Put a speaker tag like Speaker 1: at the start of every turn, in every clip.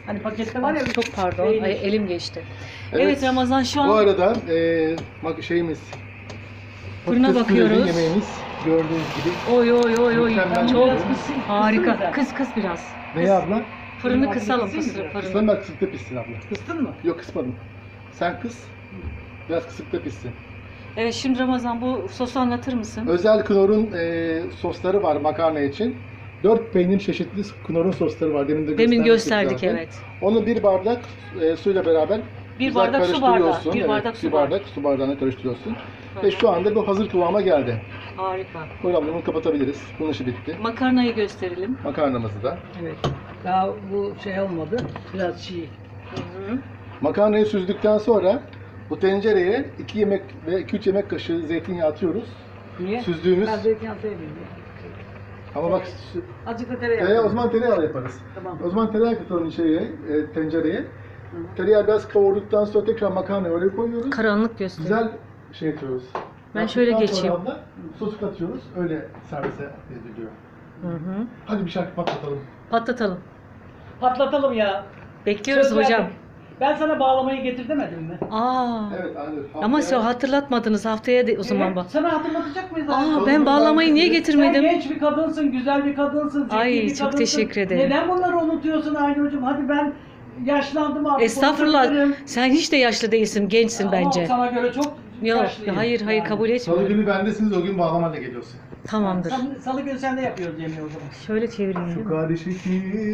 Speaker 1: Hani pakette var ya.
Speaker 2: Çok pardon.
Speaker 1: peynir.
Speaker 2: Ay, elim geçti. Evet, Ramazan şu an
Speaker 3: Bu arada şeyimiz
Speaker 2: fırına
Speaker 3: patates püreli
Speaker 2: bakıyoruz.
Speaker 3: yemeğimiz gördüğünüz gibi.
Speaker 2: Oy oy oy oy.
Speaker 3: Mükemmel
Speaker 2: Çok
Speaker 3: bir
Speaker 2: harika. Kıs biraz.
Speaker 3: Ne abla?
Speaker 2: Fırını kısalım.
Speaker 1: Kısayım mı?
Speaker 3: Kıslan bak kısıkta pişsin abla.
Speaker 1: Kıstın mı?
Speaker 3: Yok kısmadım. Sen kıs. Biraz kısıkta pişsin.
Speaker 2: Evet, şimdi Ramazan bu sosu anlatır mısın?
Speaker 3: Özel Knorr'un sosları var makarna için. 4 peynir çeşitli Knorr'un sosları var.
Speaker 2: Demin gösterdik
Speaker 3: zaten.
Speaker 2: evet.
Speaker 3: Onu bir bardak suyla beraber
Speaker 2: Bir
Speaker 3: güzel
Speaker 2: bardak su bardağı.
Speaker 3: karıştırıyorsun.
Speaker 2: Bir
Speaker 3: Evet,
Speaker 2: bardak su
Speaker 3: bir bardak su bardağına karıştırıyorsun.
Speaker 2: Hı
Speaker 3: Ve
Speaker 2: hı.
Speaker 3: şu anda bu hazır kıvama geldi.
Speaker 2: Harika.
Speaker 3: Buyurun bunu kapatabiliriz. Bunun işi bitti.
Speaker 2: Makarnayı gösterelim.
Speaker 3: Makarnamızı da.
Speaker 1: Evet. Daha bu şey olmadı. Biraz çiğ.
Speaker 2: Hı-hı.
Speaker 3: Makarnayı süzdükten sonra bu tencereye 2 yemek ve 2-3 yemek kaşığı zeytinyağı atıyoruz.
Speaker 1: Niye?
Speaker 3: Süzdüğümüz.
Speaker 1: Ben zeytinyağı sevmiyorum.
Speaker 3: Ama bak
Speaker 1: Azıcık da tereyağı.
Speaker 3: o zaman tereyağı yaparız.
Speaker 1: Tamam.
Speaker 3: O zaman tereyağı katalım tencereye. Tereyağı biraz kavurduktan sonra tekrar makarnayı oraya koyuyoruz.
Speaker 2: Karanlık göster.
Speaker 3: Güzel şey yapıyoruz.
Speaker 2: Ben şöyle
Speaker 3: Yaptıktan
Speaker 2: geçeyim.
Speaker 3: sonra abla sosu katıyoruz. Öyle servise ediliyor.
Speaker 2: Hı-hı.
Speaker 3: Hadi bir şarkı patlatalım.
Speaker 2: Patlatalım.
Speaker 1: Patlatalım ya.
Speaker 2: Bekliyoruz
Speaker 1: Söz
Speaker 2: hocam.
Speaker 1: verdim. Ben sana bağlamayı getir demedim mi?
Speaker 2: Aa.
Speaker 3: Evet anne.
Speaker 2: Ama hatırlatmadınız haftaya de o zaman
Speaker 1: Evet,
Speaker 2: bak.
Speaker 1: sana hatırlatacak mıyız?
Speaker 2: Aa, ben bağlamayı niye
Speaker 1: Sen
Speaker 2: getirmedim?
Speaker 1: genç bir kadınsın, güzel bir kadınsın, zeki
Speaker 2: Ay,
Speaker 1: bir
Speaker 2: çok
Speaker 1: kadınsın.
Speaker 2: teşekkür ederim.
Speaker 1: Neden bunları unutuyorsun Aynur'cum? Hadi ben yaşlandım artık.
Speaker 2: Estağfurullah.
Speaker 1: unutabilirim.
Speaker 2: Sen hiç de yaşlı değilsin, gençsin
Speaker 1: Ama
Speaker 2: bence.
Speaker 1: sana göre çok
Speaker 2: Yok,
Speaker 1: yaşlıyım.
Speaker 2: hayır
Speaker 1: Yani.
Speaker 2: kabul
Speaker 3: Salı
Speaker 2: etmiyorum.
Speaker 3: günü bendesiniz, o gün bağlamayla geliyorsun.
Speaker 2: Tamamdır.
Speaker 1: Salı günü sen de yapıyoruz yemeği o zaman.
Speaker 2: Şöyle çevireyim. değil mi?
Speaker 3: Karışık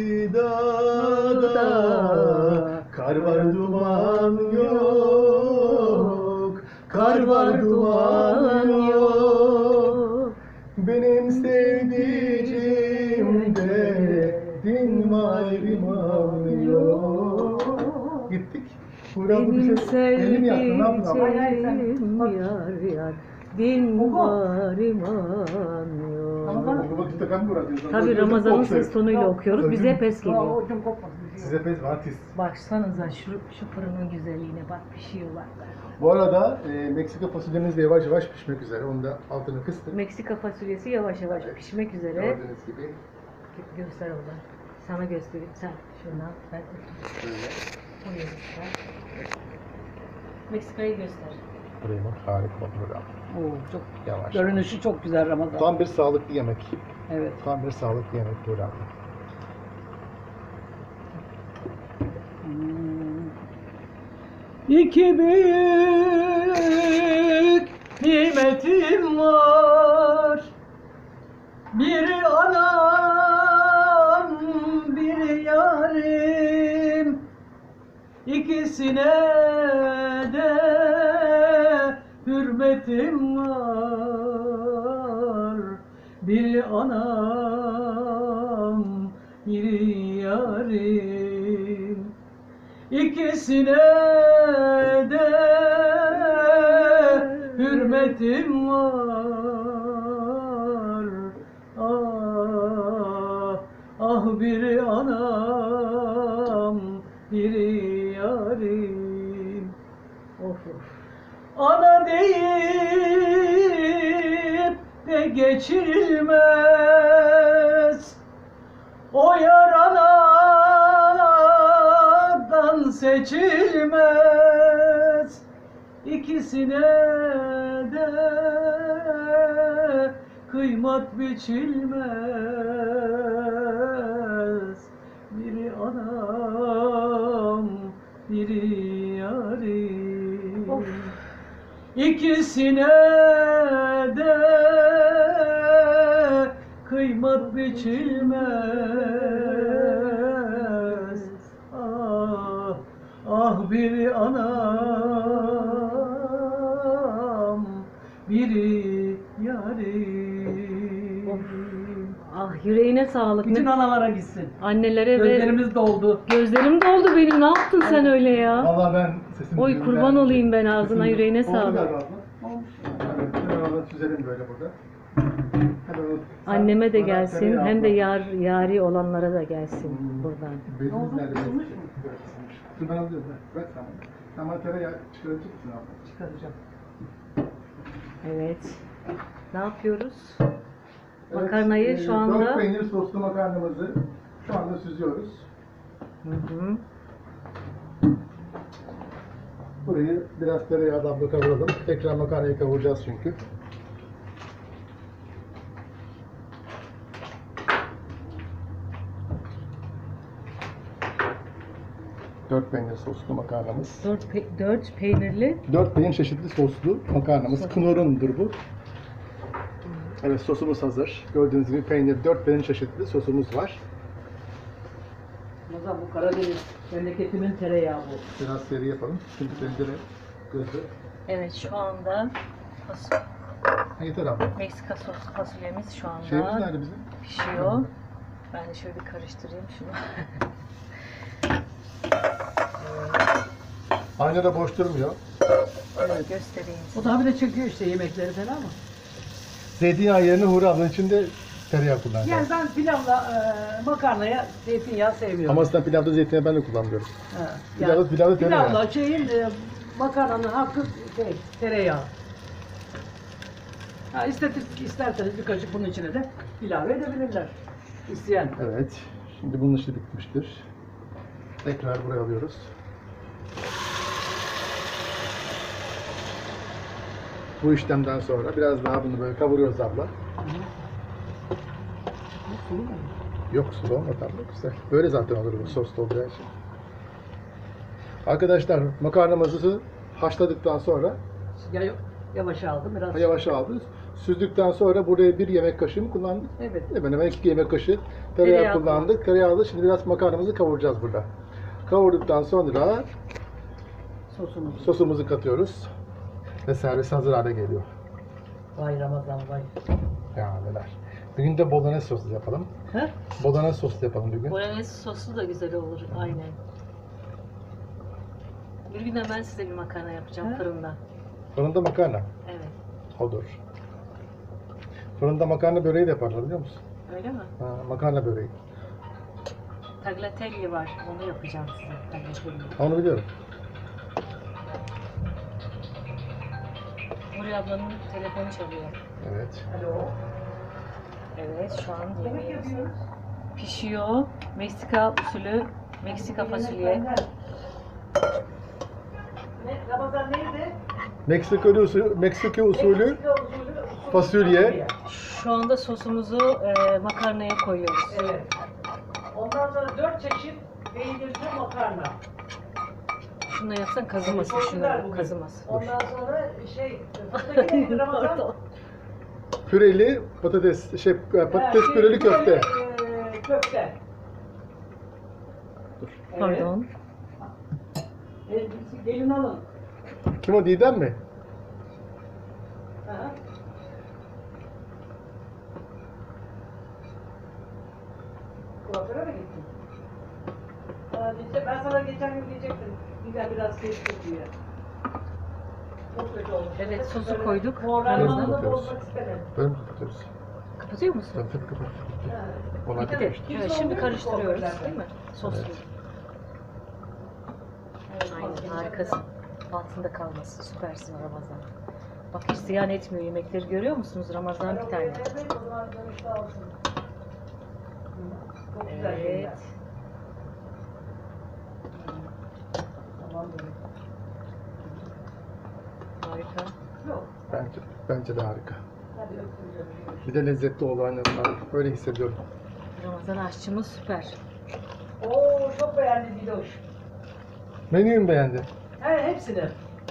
Speaker 3: dağda kar var duman yok.
Speaker 2: Kar var duman yok.
Speaker 3: Benim sevdiceğimde din var iman yok. Gittik.
Speaker 2: Benim
Speaker 3: Elimi yaktın, ne yaptın abla?
Speaker 2: sevdiceğim yar yar. Din var iman yok.
Speaker 3: Bu vakitte ben mi bırakıyorsun?
Speaker 2: Tabii Ramazan'ın ses tonuyla okuyoruz. Bize
Speaker 3: Öyle mi?
Speaker 2: pes geliyor.
Speaker 1: O ucum kopmasın.
Speaker 3: Size pes var, tiz.
Speaker 2: Baksanıza şu fırının güzelliğine bak, pişiyorlar.
Speaker 3: Bu arada Meksika fasulyemiz de yavaş yavaş pişmek üzere. Onu da altını kıstık.
Speaker 2: Meksika fasulyesi yavaş yavaş pişmek üzere.
Speaker 3: Gördüğünüz gibi.
Speaker 2: Göster oradan. Sana göstereyim. Sen şunu al. Ben
Speaker 3: Böyle.
Speaker 2: oraya göster. Meksika'yı göster.
Speaker 3: Buraya bak, harika burada.
Speaker 1: Oo, çok
Speaker 3: Yavaş.
Speaker 1: görünüşü çok güzel Ramazan.
Speaker 3: Tam bir sağlıklı yemek.
Speaker 1: Evet.
Speaker 3: Tam bir sağlıklı yemek burada.
Speaker 1: İki büyük nimetim var. Biri anam, biri yarim. İkisine de hürmetim var. Biri anam, biri yarim. İkisine de hürmetim var. Ah, ah biri anam, biri yarim.
Speaker 2: Of of.
Speaker 1: Ana deyip de geçilmez. O yar anadan seçilmez. İkisine de kıymat biçilmez. Biri anam, biri yarim.
Speaker 2: Of.
Speaker 1: İkisine de kıymat biçilmez. Ah, ah biri anam, biri yarim.
Speaker 2: Of. Ah, yüreğine sağlık.
Speaker 1: Bütün
Speaker 2: Ne-
Speaker 1: analara gitsin.
Speaker 2: Annelere ve
Speaker 1: Gözlerimiz doldu.
Speaker 2: gözlerim doldu benim. Ne yaptın sen öyle ya?
Speaker 3: Vallahi ben sesimi
Speaker 2: Oy,
Speaker 3: duyuyorum.
Speaker 2: kurban olayım ben, ağzına, yüreğine
Speaker 3: Oldu
Speaker 2: sağlık.
Speaker 3: galiba abla. Evet, hemen onu süzelim böyle burada. Hemen onu-
Speaker 2: Anneme de
Speaker 3: Bana
Speaker 2: gelsin,
Speaker 3: tereyağı
Speaker 2: hem de
Speaker 3: abla.
Speaker 2: yari olanlara da gelsin buradan.
Speaker 3: Bezimiz nerede?
Speaker 1: Kısılmış mı?
Speaker 3: Evet, kısılmış. Dur ben alıyorum. Ver sen. Ama tereyağı çıkaracak mısın abla?
Speaker 1: Çıkaracağım.
Speaker 2: Evet. Ne yapıyoruz?
Speaker 3: Evet,
Speaker 2: Makarnayı şu anda
Speaker 3: 4 peynir soslu makarnamızı şu anda süzüyoruz.
Speaker 2: Hı.
Speaker 3: Burayı biraz tereyağdan kavuralım. Tekrar makarnayı kavuracağız çünkü. Dört peynir soslu makarnamız.
Speaker 2: 4 peynirli.
Speaker 3: 4 peynir çeşitli soslu makarnamız. Knorr'undur bu. Evet, sosumuz hazır. Gördüğünüz gibi peynir, 4 peynir çeşitli sosumuz var.
Speaker 1: Ramazan bu Karadeniz memleketimin tereyağı bu.
Speaker 3: Biraz seri yapalım. Çünkü tencere gözü.
Speaker 2: Evet, şu anda
Speaker 3: Yeter abla.
Speaker 2: Meksika soslu fasulyemiz şu anda
Speaker 3: Şeyimiz nerede bizim?
Speaker 2: pişiyor. Ben de şöyle bir karıştırayım şunu.
Speaker 3: Aynı da boş durmuyor.
Speaker 2: Evet, göstereyim
Speaker 1: O
Speaker 2: size.
Speaker 1: da bir de çekiyor işte yemekleri falan ama.
Speaker 3: Zeytinyağı yerine Huri ablanın içinde tereyağı kullanacağım.
Speaker 1: Yani ben pilavla makarnaya zeytinyağı sevmiyorum.
Speaker 3: Ama aslında pilavda zeytinyağı ben de kullanmıyorum.
Speaker 1: Ha,
Speaker 3: Pilavda tereyağı.
Speaker 1: pilavla makarnanın hakkı tereyağı. Ha, isterseniz bir kaşık bunun içine de ilave edebilirler. İsteyen.
Speaker 3: Evet. Şimdi bunun işi bitmiştir. Tekrar buraya alıyoruz. Bu işlemden sonra biraz daha bunu böyle kavuruyoruz abla. Yok, sulu olmadı abla, güzel. Böyle zaten olur bu sos dolduracağı için. Arkadaşlar, makarnamızı haşladıktan sonra
Speaker 1: Yavaş aldım biraz.
Speaker 3: yavaş aldık. Süzdükten sonra buraya 1 yemek kaşığı mı kullandık?
Speaker 1: Evet.
Speaker 3: Hemen hemen 2 yemek kaşığı tereyağı
Speaker 2: Tereyağı
Speaker 3: kullandık. Tereyağlı, şimdi biraz makarnamızı kavuracağız burada. Kavurduktan sonra sosumuzu katıyoruz. Ve servis hazır hale geliyor.
Speaker 1: Vay Ramazan vay.
Speaker 3: Ya neler. Bir gün de bolognese soslu yapalım.
Speaker 1: He?
Speaker 3: Bolognese soslu yapalım bir gün.
Speaker 2: Bolognese soslu da güzel olur, aynen. Bir gün de ben size bir makarna yapacağım
Speaker 1: He?
Speaker 2: fırında.
Speaker 3: Fırında makarna.
Speaker 2: Evet.
Speaker 3: Odur. Fırında makarna böreği de yaparlar biliyor musun?
Speaker 2: Öyle mi?
Speaker 3: Ha, makarna böreği.
Speaker 2: Tagliatelle var, onu yapacağım size. Tagliatelle.
Speaker 3: Onu biliyorum.
Speaker 2: Nuri ablanın telefonu çalıyor.
Speaker 3: Evet.
Speaker 1: Alo.
Speaker 2: Evet, şu an
Speaker 1: Yemek
Speaker 2: yemeğimiz
Speaker 1: yapıyoruz.
Speaker 2: pişiyor. Meksika usulü Meksika fasulye.
Speaker 1: Ramazan neydi?
Speaker 3: Meksika usulü
Speaker 1: Meksika usulü
Speaker 3: fasulye.
Speaker 2: Şu anda sosumuzu makarnaya koyuyoruz.
Speaker 1: Evet. Ondan sonra 4 çeşit peynirli makarna.
Speaker 2: Şunu da yapsan kazımasın,
Speaker 1: Çok
Speaker 2: şunu
Speaker 1: güzel bugün.
Speaker 2: kazımasın.
Speaker 1: Ondan sonra fırındaki neydi Ramazan?
Speaker 2: Pardon.
Speaker 3: Püreli patates, patates püreli köfte.
Speaker 1: Köfte. Evet.
Speaker 2: Pardon.
Speaker 1: Gelin alın.
Speaker 3: Kim o, Didem mi?
Speaker 1: Aha. Kuaföre mi gittin? Ben sana geçen gün diyecektim. Biraz kestik diye. Çok kötü olmuş.
Speaker 2: Evet, sosu koyduk.
Speaker 1: Moralmanı
Speaker 3: Ramazan.
Speaker 1: bozmak istemedim.
Speaker 3: Böyle mi kapatıyoruz?
Speaker 2: Kapatıyor musun?
Speaker 3: Tabii tabii kapat.
Speaker 1: Ha.
Speaker 3: Onlar
Speaker 2: Bitti.
Speaker 3: bitmiştir.
Speaker 2: Evet, şimdi karıştırıyoruz, değil mi? Soslu.
Speaker 3: Evet.
Speaker 2: Aynen, harikasın. Altında kalmasın, süpersin Ramazan. Bak hiç ziyan etmiyor yemekleri, görüyor musunuz? Ramazan bir tane. Evet. Harika.
Speaker 3: Bence de harika. Bir de lezzetli oldu aynen. Ben öyle hissediyorum.
Speaker 2: Ramazan aşçımız süper.
Speaker 1: Oo, çok beğendim Diloş.
Speaker 3: Menüyü mü beğendi?
Speaker 1: Hepsini.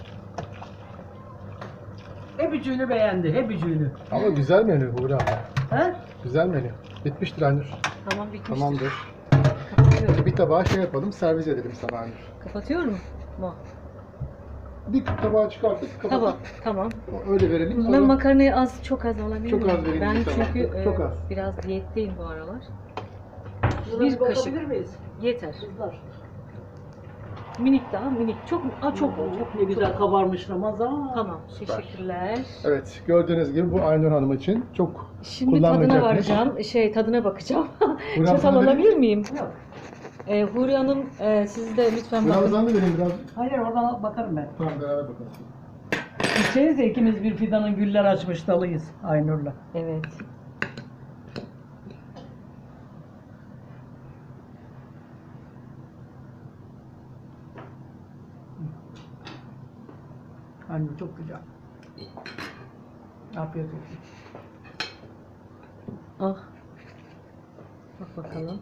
Speaker 1: Hep üçünü beğendi, hep üçünü.
Speaker 3: Ama güzel menü Buğra abla.
Speaker 1: He?
Speaker 3: Güzel menü. Bitmiştir Aynur.
Speaker 2: Tamam, bitmiştir.
Speaker 3: Tamamdır.
Speaker 2: Kapatıyorum.
Speaker 3: Bir tabağa yapalım, servis edelim sana Aynur.
Speaker 2: Kapatıyorum mu?
Speaker 3: Bir tabağa çıkartıp kapatıp
Speaker 2: Tamam, tamam.
Speaker 3: öyle verelim.
Speaker 2: Ben makarnayı çok az alabilir
Speaker 3: Çok
Speaker 2: miyim?
Speaker 3: az vereyim
Speaker 2: Ben
Speaker 3: bir tabağa.
Speaker 2: çünkü
Speaker 3: Çok az.
Speaker 2: biraz diyetteyim bu aralar.
Speaker 1: Bir
Speaker 2: kaşık.
Speaker 1: bakabilir miyiz?
Speaker 2: Yeter.
Speaker 1: Kızlar.
Speaker 2: Minik daha, minik. Çok çok
Speaker 1: Çok ne güzel kabarmış Ramazan.
Speaker 2: Tamam,
Speaker 3: Süper.
Speaker 2: teşekkürler.
Speaker 3: Evet, gördüğünüz gibi bu Aynur Hanım için çok
Speaker 2: Şimdi tadına
Speaker 3: kullanmayacakmış.
Speaker 2: varacağım. Tadına bakacağım.
Speaker 3: Burak
Speaker 2: Çatal
Speaker 3: sana
Speaker 2: alabilir
Speaker 3: vereyim.
Speaker 2: miyim?
Speaker 1: Yok.
Speaker 2: Huri Hanım, siz de lütfen bakın.
Speaker 3: Birazdan da vereyim biraz.
Speaker 1: Hayır oradan bakarım ben.
Speaker 3: Tamam, beraber bakalım.
Speaker 1: Gideceğiz de ikimiz bir fidanın güller açmış dalıyız Aynur'la.
Speaker 2: Evet.
Speaker 1: Anne çok güzel. Afiyet olsun.
Speaker 2: Ah. Bak bakalım.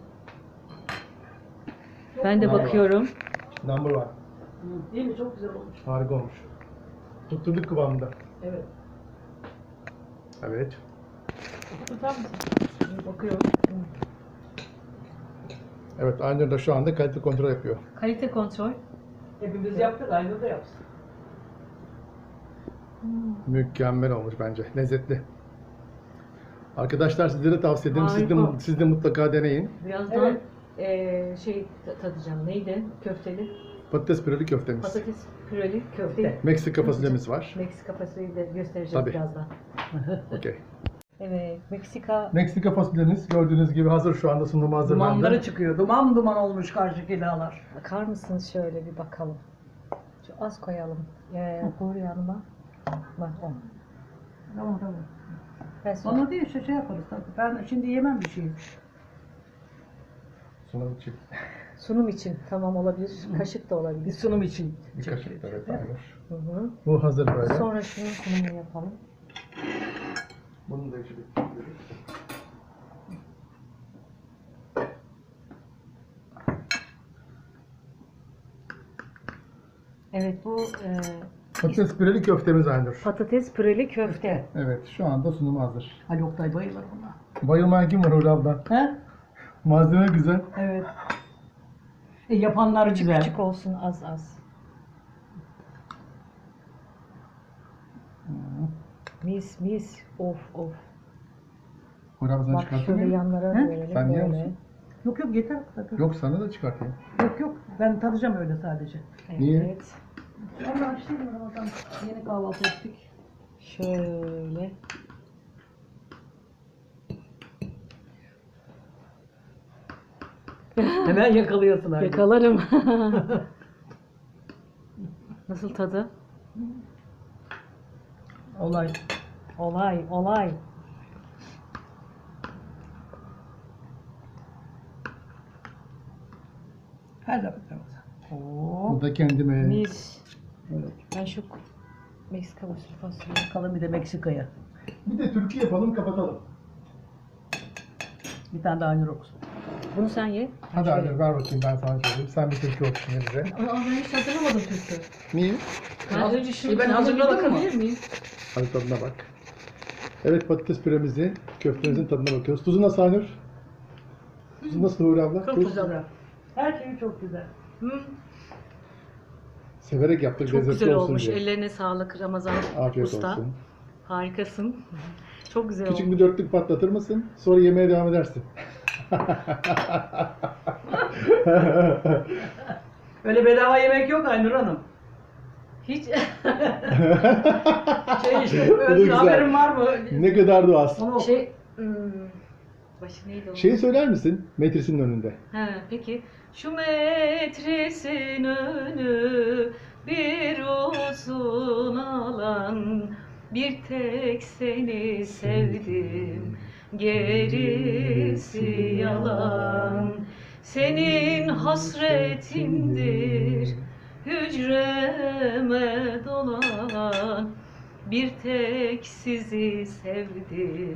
Speaker 2: Ben de
Speaker 3: Bravo.
Speaker 2: bakıyorum.
Speaker 3: Number one.
Speaker 1: Değil mi? Çok güzel olmuş.
Speaker 3: Harika olmuş. Tutturduk kıvamında.
Speaker 1: Evet.
Speaker 3: Evet.
Speaker 1: Tutar mısın? Bakıyorum.
Speaker 3: Evet, Aynur da şu anda kalite kontrol yapıyor.
Speaker 2: Kalite kontrol.
Speaker 1: Hepimiz yaptık. Aynur da yapsın.
Speaker 3: Mükemmel olmuş bence. Lezzetli. Arkadaşlar sizlere tavsiye ederim.
Speaker 2: Harika.
Speaker 3: Siz de mutlaka deneyin.
Speaker 2: Birazdan
Speaker 1: Evet.
Speaker 2: tadacağım. Neydi? Köfteli.
Speaker 3: Patates püreli köftemiz.
Speaker 2: Patates püreli köfte.
Speaker 1: Köfte.
Speaker 3: Meksika fasulyemiz var.
Speaker 2: Meksika fasulyeyi de göstereceğiz
Speaker 3: Tabii.
Speaker 2: birazdan.
Speaker 3: Okey.
Speaker 2: Evet, Meksika
Speaker 3: Meksika fasulyemiz gördüğünüz gibi hazır, şu anda sunuma hazırlandı.
Speaker 1: Dumanları çıkıyor. Duman duman olmuş karşıki dağlar.
Speaker 2: bakar mısınız şöyle bir bakalım. Şu az koyalım. Koy yanıma. Bak o.
Speaker 1: Tamam tamam.
Speaker 2: Ben sonra-
Speaker 1: Onu değil işte şey yaparız tabii. Ben şimdi yemem bir şey.
Speaker 3: Sunum için.
Speaker 2: Sunum için tamam olabilir. Kaşık da
Speaker 1: Bir
Speaker 2: olabilir.
Speaker 1: sunum için.
Speaker 3: Bir kaşık da evet, Aynur.
Speaker 2: Hı hı.
Speaker 3: Bu hazır böyle.
Speaker 2: Sonra şunun sunumunu yapalım.
Speaker 3: Bunu da içi bekliyoruz.
Speaker 2: Evet bu
Speaker 3: Patates püreli köftemiz Aynur.
Speaker 2: patates püreli köfte.
Speaker 3: Evet, şu anda sunuma hazır.
Speaker 1: Ali Oktay bayılır buna.
Speaker 3: Bayılmayan kim var Uğur abla?
Speaker 1: He?
Speaker 3: Malzeme güzel.
Speaker 1: Evet. Yapanlar güzel.
Speaker 2: Küçük olsun az az. Mis mis. Of of.
Speaker 3: Uğur abla sana
Speaker 2: Bak
Speaker 3: çıkartayım
Speaker 2: şöyle
Speaker 3: mı?
Speaker 2: yanlara
Speaker 1: He?
Speaker 2: verelim.
Speaker 3: Sen yiyor
Speaker 2: böyle.
Speaker 3: musun?
Speaker 1: Yok yok yeter. Yok
Speaker 3: Yok, sana da çıkartayım.
Speaker 1: yok. Ben tadacağım öyle sadece.
Speaker 2: Evet.
Speaker 3: Niye?
Speaker 1: Ama açtım Ramazan. Yeni kahvaltı ettik.
Speaker 2: Şöyle.
Speaker 1: Hemen yakalıyorsun abi.
Speaker 2: Yakalarım. Nasıl tadı?
Speaker 1: Olay.
Speaker 2: Olay, olay.
Speaker 1: Her zaman Ramazan. Oo.
Speaker 3: Bu da kendime.
Speaker 2: Mis.
Speaker 1: Evet.
Speaker 2: Ben şu Meksika usulü fasulye.
Speaker 1: Bakalım bir de Meksika'ya.
Speaker 3: Bir de türkü yapalım, kapatalım.
Speaker 1: Bir tane daha Aynur okusun.
Speaker 2: Bunu sen ye.
Speaker 3: Hadi
Speaker 2: Şöyle.
Speaker 3: Aynur ver bakayım, ben sana söyleyeyim. Sen bir türkü okusun bize.
Speaker 2: Aa, ben hiç hazırlamadım türkü.
Speaker 3: Niye?
Speaker 2: Ben önce şunu
Speaker 1: Ben
Speaker 2: tadına bir
Speaker 1: hazırladım mı?
Speaker 2: bakabilir miyim?
Speaker 3: Hadi tadına bak. Evet, patates püremizi, köftemizin tadına bakıyoruz. Tuzu nasıl Aynur? Tuzu nasıl Uğur abla?
Speaker 1: Çok
Speaker 3: Tuz.
Speaker 1: güzel. Her şeyi çok güzel.
Speaker 3: Severek yaptık,
Speaker 2: Çok
Speaker 3: lezzetli
Speaker 2: güzel
Speaker 3: olsun
Speaker 2: olmuş.
Speaker 3: diye.
Speaker 2: Ellerine sağlık Ramazan
Speaker 3: Afiyet
Speaker 2: Usta.
Speaker 3: olsun.
Speaker 2: Harikasın. Çok güzel
Speaker 3: Küçük
Speaker 2: olmuş.
Speaker 3: bir dörtlük patlatır mısın? Sonra yemeğe devam edersin.
Speaker 1: Öyle bedava yemek yok Aynur Hanım.
Speaker 2: Hiç
Speaker 1: Şey işte
Speaker 3: Bu da
Speaker 1: öyle
Speaker 3: güzel.
Speaker 1: haberin var mı?
Speaker 3: Ne kadar da az.
Speaker 1: Onu oku.
Speaker 2: başı neydi o?
Speaker 3: Şeyi söyler misin? Metrisinin önünde.
Speaker 2: He, peki. Şu metresin önü bir uzun alan, bir tek seni sevdim, gerisi yalan. Senin hasretindir hücreme dolan, bir tek sizi sevdim,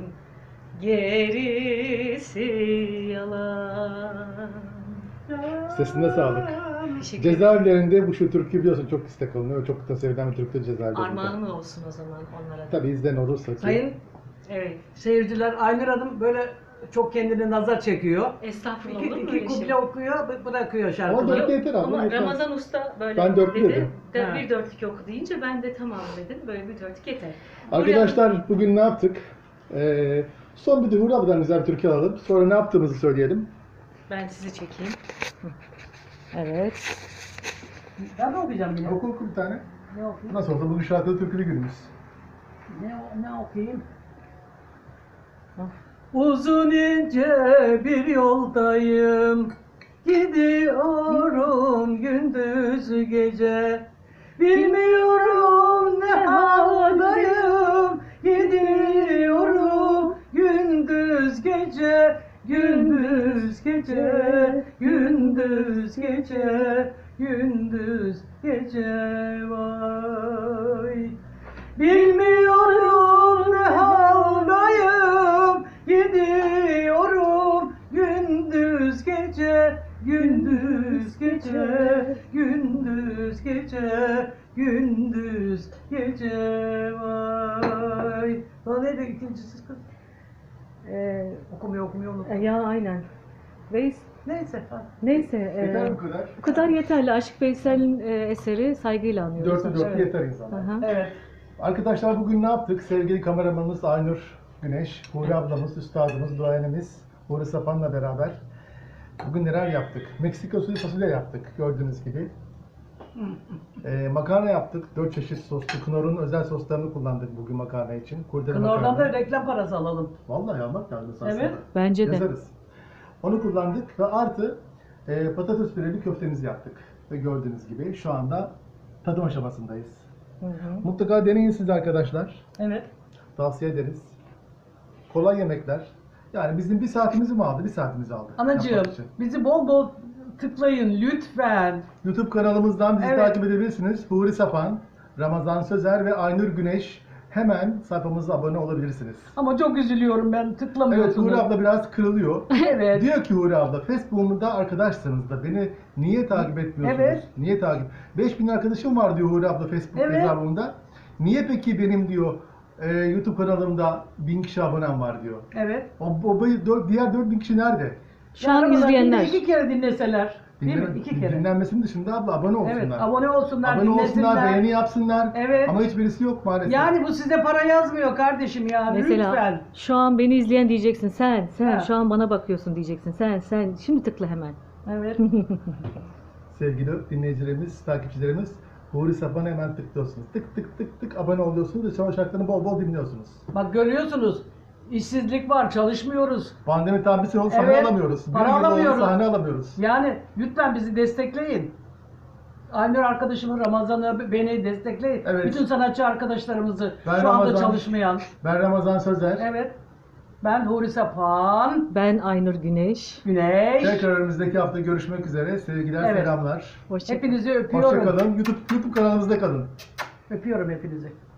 Speaker 2: gerisi yalan.
Speaker 3: Sesine sağlık.
Speaker 2: Teşekkür ederim.
Speaker 3: Cezaevlerinde bu şu türkü biliyorsun çok istek alınıyor ve çok da sevilen bir türküdür cezaevlerinde.
Speaker 2: Armağanım olsun o zaman onlara da.
Speaker 3: Tabii izleyen olursa ki.
Speaker 1: Sayın
Speaker 2: Evet.
Speaker 1: seyirciler Aynur Hanım böyle çok kendini nazar çekiyor.
Speaker 2: Estağfurullah
Speaker 1: İki,
Speaker 2: olur mu
Speaker 1: iki
Speaker 2: öyle şey?
Speaker 1: kuple okuyor, bırakıyor
Speaker 3: Ama
Speaker 1: şarkıları.
Speaker 3: dörtlü yeter abi.
Speaker 2: Ama
Speaker 3: yeter.
Speaker 2: Ramazan Usta böyle
Speaker 3: Ben dörtlü
Speaker 2: dedi.
Speaker 3: dedim.
Speaker 1: Ha.
Speaker 2: Bir dörtlük oku deyince ben de tamam dedim. Böyle bir dörtlük yeter.
Speaker 3: Arkadaşlar bugün ne yaptık? Son bir de Huri abladan güzel bir türkü alalım. Sonra ne yaptığımızı söyleyelim.
Speaker 2: Ben sizi çekeyim. Hı. Evet.
Speaker 1: Ben de okuyacağım yine.
Speaker 3: Oku bir tane.
Speaker 1: Ne okuyayım?
Speaker 3: Nasıl olsa bugün şarkılı türkülü günümüz.
Speaker 1: Ne okuyayım?
Speaker 2: Hı.
Speaker 1: Uzun ince bir yoldayım, gidiyorum gündüz gece. Bilmiyorum ne haldayım, gidiyorum gündüz gece, gündüz gece, gündüz gece, gündüz gece vay. Bilmiyorum ne haldayım, gidiyorum gündüz gece, gündüz gece, gündüz gece, gündüz gece vay. Daha neydi ikincisi kız? Okumuyor unuttum.
Speaker 2: Ya aynen. Veys,
Speaker 1: Neyse. Ha.
Speaker 2: neyse.
Speaker 3: Yeter bu kadar.
Speaker 2: Bu kadar yeterli. Aşık Veysel'in eseri saygıyla anıyoruz.
Speaker 3: Dörtte dört
Speaker 1: Evet.
Speaker 3: yeter insana.
Speaker 2: Aha.
Speaker 1: Evet.
Speaker 3: Arkadaşlar bugün ne yaptık? Sevgili kameramanımız Aynur Güneş, Huri ablamız, üstadımız, duayenimiz Huri Sapan'la beraber bugün neler yaptık? Meksika usulü fasulye yaptık gördüğünüz gibi. Makarna yaptık. 4 çeşit soslu. Knorr'un özel soslarını kullandık bugün makarna için. Kurdele
Speaker 1: Knorr'dan
Speaker 3: makarna.
Speaker 1: da reklam parası alalım.
Speaker 3: Vallahi almak lazım aslında.
Speaker 1: Evet.
Speaker 2: Bence de.
Speaker 3: Yazarız. Onu kullandık ve artı patates püreli köftemizi yaptık. Ve gördüğünüz gibi şu anda tadım aşamasındayız.
Speaker 2: Hı hı.
Speaker 3: Mutlaka deneyin siz arkadaşlar.
Speaker 1: Evet.
Speaker 3: Tavsiye ederiz. Kolay yemekler. Yani bizim bir saatimizi mi aldı? Bir saatimizi aldı.
Speaker 1: Anacığım
Speaker 3: yapmak için.
Speaker 1: bizi bol bol tıklayın lütfen.
Speaker 3: YouTube kanalımızdan bizi
Speaker 1: Evet.
Speaker 3: takip edebilirsiniz. Huri Sapan, Ramazan Sözer ve Aynur Güneş. Hemen sayfamıza abone olabilirsiniz.
Speaker 1: Ama çok üzülüyorum ben
Speaker 3: Evet,
Speaker 1: tıklamıyorsunuz.
Speaker 3: Huri abla biraz kırılıyor.
Speaker 1: Evet.
Speaker 3: Diyor ki Huri abla, Facebook'umda arkadaşsınız da beni niye takip etmiyorsunuz?
Speaker 1: Evet.
Speaker 3: Niye takip? 5000 arkadaşım var diyor Huri abla Facebook
Speaker 1: Evet.
Speaker 3: hesabımda. Niye peki benim diyor YouTube kanalımda 1000 kişi abonem var diyor.
Speaker 1: Evet.
Speaker 3: Diğer 4000 kişi nerede?
Speaker 2: Şu an
Speaker 1: Ramazan
Speaker 2: izleyenler.
Speaker 1: günde 2 kere dinleseler. Değil mi? 2 kere.
Speaker 3: Dinlenmesinin dışında abla abone olsunlar.
Speaker 1: Evet, abone olsunlar,
Speaker 3: Abone olsunlar,
Speaker 1: dinlesinler.
Speaker 3: beğeni yapsınlar.
Speaker 1: Evet.
Speaker 3: Ama hiçbirisi yok maalesef.
Speaker 1: Yani bu size para yazmıyor kardeşim ya.
Speaker 2: Mesela
Speaker 1: Lütfen.
Speaker 2: şu an beni izleyen diyeceksin sen
Speaker 1: Ha.
Speaker 2: şu an bana bakıyorsun diyeceksin sen şimdi tıkla hemen.
Speaker 1: Evet.
Speaker 3: Sevgili dinleyicilerimiz, takipçilerimiz, Huri Sapan'a hemen tıklıyorsunuz. Tık tık tık tık abone oluyorsunuz ve savaş şarkılarını bol bol dinliyorsunuz.
Speaker 1: Bak görüyorsunuz. İşsizlik var, çalışmıyoruz.
Speaker 3: Pandemi tam bir sene oldu, sahne
Speaker 1: Evet,
Speaker 3: alamıyoruz.
Speaker 1: para
Speaker 3: Bir yıl oldu,
Speaker 1: alamıyoruz.
Speaker 3: sahne alamıyoruz.
Speaker 1: Yani lütfen bizi destekleyin. Aynur arkadaşımı, Ramazan'ı, beni destekleyin.
Speaker 3: Evet.
Speaker 1: Bütün sanatçı arkadaşlarımızı
Speaker 3: Ben
Speaker 1: şu anda
Speaker 3: Ramazan.
Speaker 1: çalışmayan.
Speaker 3: Ben Ramazan Sözer.
Speaker 1: Evet. Ben Huri Sapan,
Speaker 2: Ben Aynur Güneş.
Speaker 1: Güneş.
Speaker 3: Tekrar önümüzdeki hafta görüşmek üzere. Sevgiler,
Speaker 1: Evet.
Speaker 3: selamlar.
Speaker 2: Hoşça
Speaker 1: Hepinizi öpüyorum.
Speaker 3: Hoşça kalın. YouTube kanalımızda kalın.
Speaker 1: Öpüyorum hepinizi.